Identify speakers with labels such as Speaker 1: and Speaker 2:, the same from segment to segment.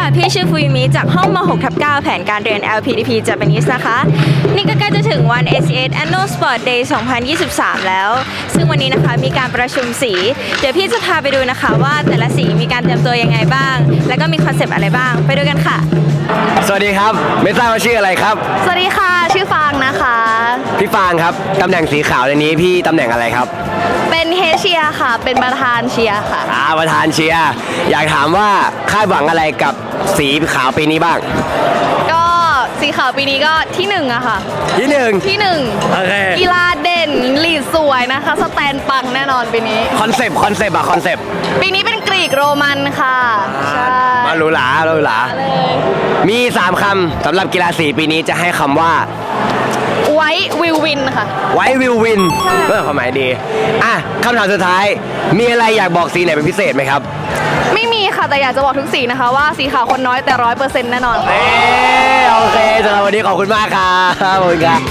Speaker 1: พี่ชื่อฟูมิจากห้องม .6/9 แผนการเรียน LPDP Japanese นะคะ นี่ก็ใกล้จะถึงวัน ACS Annual Sport Day 2023 แล้ว ซึ่งวันนี้นะคะมีการประชุมสี เดี๋ยวพี่จะพาไปดูนะคะว่าแต่ละสีมีการเตรียมตัวยังไงบ้าง แล้วก็มีคอนเซปต์อะไรบ้าง ไปดูกันค่ะ
Speaker 2: สวัสดีครับไม่ทราบว่าชื่ออะไรครับ
Speaker 1: สวัสดีค่ะ ชื่อฟางนะคะ
Speaker 2: พี่ฟางครับตำแหน่งสีขาวในนี้พี่ตำแหน่งอะไรครับ
Speaker 1: เป็นเฮเชียค่ะ เป็นประธานเชียร์ค่ะ
Speaker 2: ประธานเชียร์อยากถามว่าคาดหวังอะไรกับสีขาวปีนี้บ้าง
Speaker 1: ก็สีขาวปีนี้ก็ที่หนึ่งอะค่ะ
Speaker 2: ที่หนึ่ง
Speaker 1: ที่หนึ่ง
Speaker 2: โอเค
Speaker 1: กีฬาเด่นลีดสวยนะคะ สแตนปังแน่นอนปีนี้
Speaker 2: คอนเซปต์คอนเซปต์
Speaker 1: ปีนี้เป็นกรีกโรมันค่ะ ใช่
Speaker 2: มาหรูหรา
Speaker 1: เลย
Speaker 2: มี 3 คำสำหรับกีฬาสีปีนี้จะให้คำว่า
Speaker 1: ไว้วิววินค่ะ
Speaker 2: ไว้วิววินเรื่องความหมายดีคำถามสุดท้ายมีอะไรอยากบอกสีไหนเป็นพิเศษไหมครับ
Speaker 1: ไม่มีค่ะ แต่อยากจะบอกทุกสีนะคะว่าสีขาวคนน้อยแต่100%แน่นอนค่ะ
Speaker 2: โอเคสำหรับวันนี้ขอบคุณมากครับขอบคุณครับ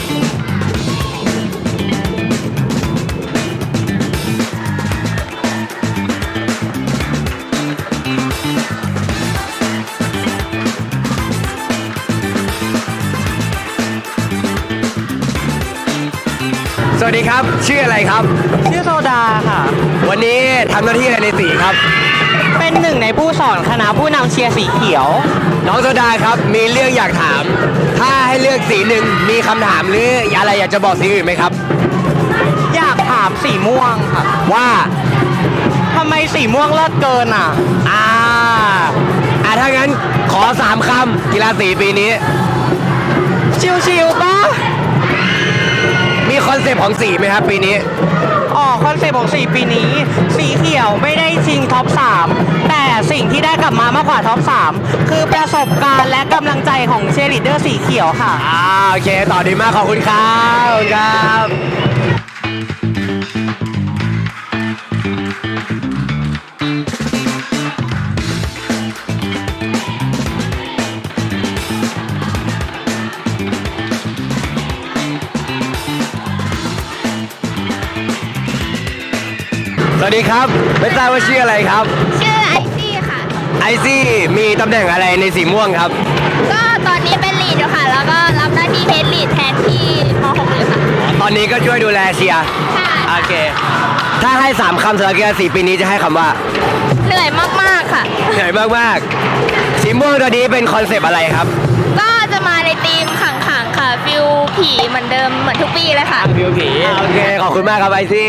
Speaker 2: สวัสดีครับชื่ออะไรครับ
Speaker 3: ชื่อโซดาค่ะ
Speaker 2: วันนี้ทำหน้าที่อะไรในสีครับ
Speaker 3: เป็นหนึ่งในผู้สอนคณะผู้นำเชียร์สีเขียว
Speaker 2: น้องโซดาครับมีเรื่องอยากถาม ถ้าให้เลือกสีหนึ่งมีคำถามหรืออะไรอยากจะบอกสีอื่นไหมครับ
Speaker 3: อยากถามสีม่วงค่ะ
Speaker 2: ว่า
Speaker 3: ทำไมสีม่วงเลิศเกินอ่ะ
Speaker 2: ถ้างั้นขอ3 คำกีฬาสีปีนี้
Speaker 3: ชิวๆปะ
Speaker 2: มีคอนเซปต์ของสีไหมครับปีนี้
Speaker 3: คอนเซปต์ของสีปีนี้ สีเขียวไม่ได้ชิงท็อป 3 แต่สิ่งที่ได้กลับมามากกว่าท็อป 3 คือประสบการณ์และกำลังใจของเชียร์ลีดเดอร์สีเขียวค่ะ
Speaker 2: โอเคต่อดีมากขอบคุณครับขอบคุณครับ สวัสดีครับไม่ทราบว่าชื่ออะไรครับ
Speaker 4: ชื่อไอซี่ค่ะ
Speaker 2: ไอซี่มีตำแหน่งอะไรในสีม่วงครับ
Speaker 4: ก็ตอนนี้เป็นลีดอยู่ค่ะ แล้วก็รับหน้าที่เฮดลีดแทนที่ม .6 อยู่ค่ะ
Speaker 2: ตอนนี้ก็ช่วยดูแลเชียร์
Speaker 4: ใช่
Speaker 2: โอเค ถ้าให้3 คำสำหรับกีฬาสีปีนี้จะให้คำว่า
Speaker 4: เหนื่อยมากๆค่ะ
Speaker 2: เหนื่อยมากๆสีม่วงตัวนี้เป็นคอนเซปต์อะไรครับ
Speaker 4: ก็จะมาในธีมขังๆค่ะ ฟิลผีเหมือนเดิมเหมือนทุกปีเลยค่ะ
Speaker 2: วิวผีโอเคขอบคุณมากครับไอซี่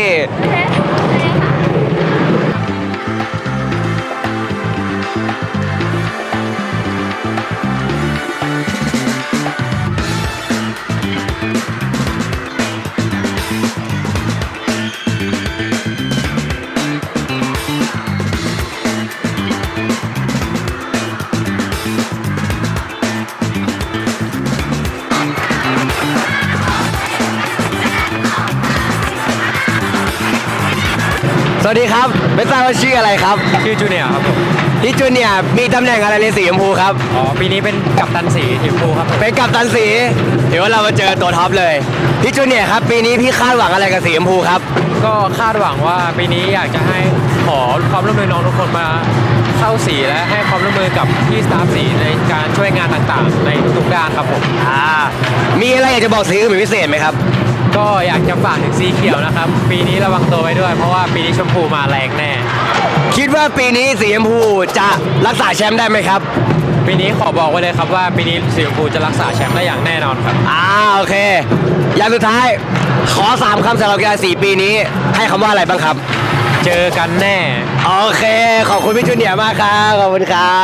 Speaker 2: สวัสดีครับไม่ทราบว่าชื่ออะไรครับ
Speaker 5: ชื่อจูเนียร์ครับผม
Speaker 2: พี่จูเนียร์มีตำแหน่งอะไรในสีชมพูครับ
Speaker 5: ปีนี้เป็นกัปตันสีทีมพูครับผม
Speaker 2: เป็นกัปตันสีเดี๋ยวเรามาเจอตัวท็อปเลยพี่จูเนียร์ครับปีนี้พี่คาดหวังอะไรกับสีชมพูครับ
Speaker 5: ก็คาดหวังว่าปีนี้อยากจะให้ขอความร่วมมือน้องทุกคนมาเข้าสีและให้ความร่วมมือกับพี่สตาฟสีในการช่วยงานต่างๆ ในทุกๆด้านครับผม
Speaker 2: มีอะไรอยากจะบอกสีอื่นเป็นพิเศษไหมครับ
Speaker 5: ก็อยากจะฝากถึงสีเขียวนะครับ ปีนี้ระวังตัวไว้ด้วย เพราะว่าปีนี้ชมพูมาแรงแน่
Speaker 2: คิดว่าปีนี้สีชมพูจะรักษาแชมป์ได้ไหมครับ
Speaker 5: ปีนี้ขอบอกไว้เลยครับว่าปีนี้สีชมพูจะรักษาแชมป์ได้อย่างแน่นอนครับ
Speaker 2: โอเคอย่างสุดท้ายขอ3 คำสำหรับกีฬาสีปีนี้ให้คำว่าอะไรบ้างครับ
Speaker 5: เจอกันแน่
Speaker 2: โอเคขอบคุณพี่จูเนียร์มากครับขอบคุณครับ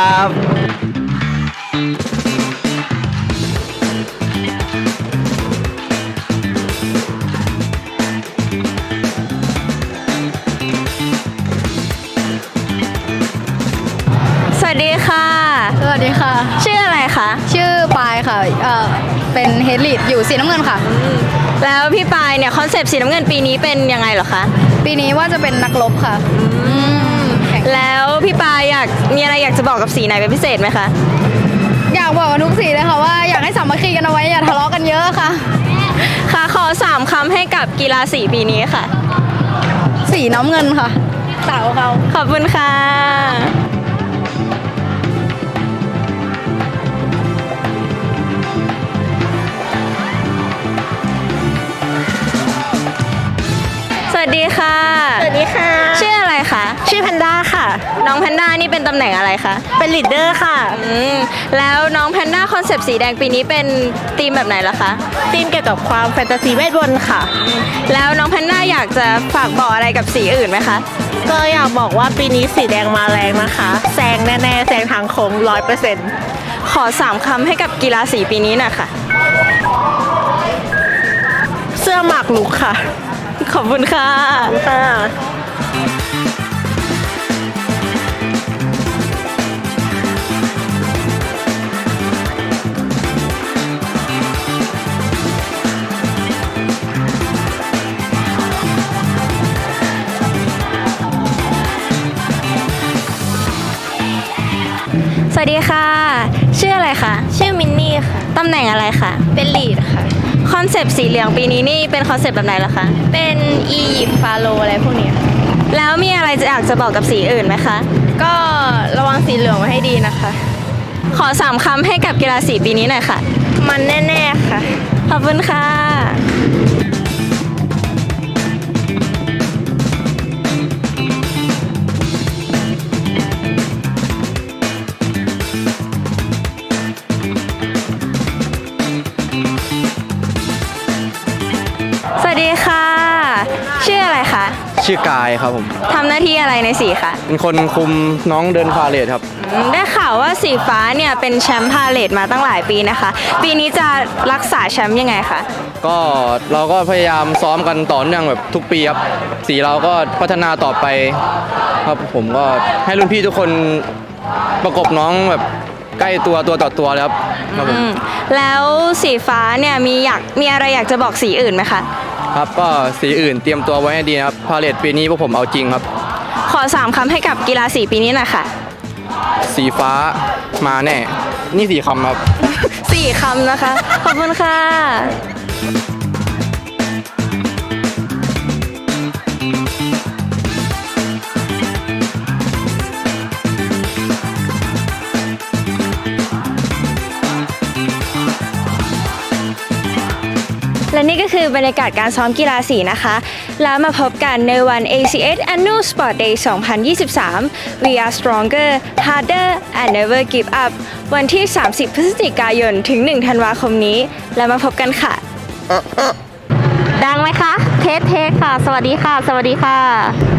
Speaker 1: สวัสดีค่ะ
Speaker 6: สวัสดีค่ะ
Speaker 1: ชื่ออะไรคะ
Speaker 6: ชื่อปายค่ะ เป็นเฮดลีดอยู่สีน้ำเงินค่ะ
Speaker 1: แล้วพี่ปายเนี่ยคอนเซปต์สีน้ำเงินปีนี้เป็นยังไงเหรอคะ
Speaker 6: ปีนี้ว่าจะเป็นนักรบค่ะแข่ง
Speaker 1: แล้วพี่ปายมีอะไรอยากจะบอกกับสีไหนเป็นพิเศษไหมคะ
Speaker 6: อยากบอกกับทุกสีเลยค่ะว่าอยากให้สามัคคีกันเอาไว้อย่าทะเลาะกันเยอะค่ะ
Speaker 1: ค่ะขอ3 คำให้กับกีฬาสีปีนี้ค่ะ
Speaker 6: สีน้ำเงินค่ะสาวเขา
Speaker 1: ขอบคุณค่ะองแพนด้านี่เป็นตำแหน่งอะไรคะ
Speaker 3: เป็นลีดเดอร์ค่ะ
Speaker 1: แล้วน้องแพนด้าคอนเซปต์สีแดงปีนี้เป็นธีมแบบไหนล่ะคะ
Speaker 3: ทีมเกี่ยวกับความแฟนตาซีเวทมนต์ค่ะ
Speaker 1: แล้วน้องแพนด้าอยากจะฝากบอกอะไรกับสีอื่นไหมคะ
Speaker 3: ก็อยากบอกว่าปีนี้สีแดงมาแรงนะคะแซงแน่ๆแซงทางโค้ง100%
Speaker 1: ขอ3คำให้กับกีฬาสีปีนี้หน่อยค่ะ
Speaker 3: เสื้อหมากลุกค่ะ
Speaker 1: ขอบคุณค่ะ
Speaker 3: ค่ะ
Speaker 1: สวัสดีค่ะ ชื่ออะไรคะ
Speaker 4: ชื่อมินนี่ค่ะ
Speaker 1: ตำแหน่งอะไรคะ
Speaker 4: เป็นลีดค่ะ
Speaker 1: คอนเซปต์สีเหลืองปีนี้นี่เป็นคอนเซปต์แบบไหนล่ะคะ
Speaker 4: เป็นอียิปต์ฟาโรห์อะไรพวกเนี้ย
Speaker 1: แล้วมีอะไรจะอยากจะบอกกับสีอื่นไหมคะ
Speaker 4: ก็ระวังสีเหลืองไว้ให้ดีนะคะ
Speaker 1: ขอ3คำให้กับกีฬาสีปีนี้หน่อยค่ะ
Speaker 4: มันแน่ๆค่ะ
Speaker 1: ขอบคุณค่ะ สวัสดีค่ะ ชื่ออะไรคะ
Speaker 7: ชื่อกายครับผม
Speaker 1: ทำหน้าที่อะไรในสีคะ
Speaker 7: เป็นคนคุมน้องเดินพาเลทครับ
Speaker 1: ได้ข่าวว่าสีฟ้าเนี่ยเป็นแชมป์พาเลทมาตั้งหลายปีนะคะ ปีนี้จะรักษาแชมป์ยังไงคะ
Speaker 7: ก็เราก็พยายามซ้อมกันต่อเนื่องแบบทุกปีครับ สีเราก็พัฒนาต่อไปครับผมก็ให้รุ่นพี่ทุกคนประกบน้องแบบใกล้ตัวต่อตัวเลยครับครับผม
Speaker 1: แล้วสีฟ้าเนี่ยมีอะไรอยากจะบอกสีอื่นไหมคะ
Speaker 7: ครับก็สีอื่นเตรียมตัวไว้ให้ดีนะครับพาเลทปีนี้พวกผมเอาจริงครับ
Speaker 1: ขอ3คำให้กับกีฬาสีปีนี้หน่อยค่ะ
Speaker 7: สีฟ้ามาแน่ นี่สีคำครับ
Speaker 1: 4 คำนะคะ ขอบคุณค่ะ และนี่ก็คือบรรยากาศการซ้อมกีฬาสีนะคะ แล้วมาพบกันในวัน ACS Annual Sport Day 2023 We are stronger, harder and never give up วันที่ 30 พฤศจิกายน ถึง 1 ธันวาคมนี้ แล้วมาพบกันค่ะ
Speaker 4: ดังไหมคะ เทสค่ะ สวัสดีค่ะ สวัสดีค่ะ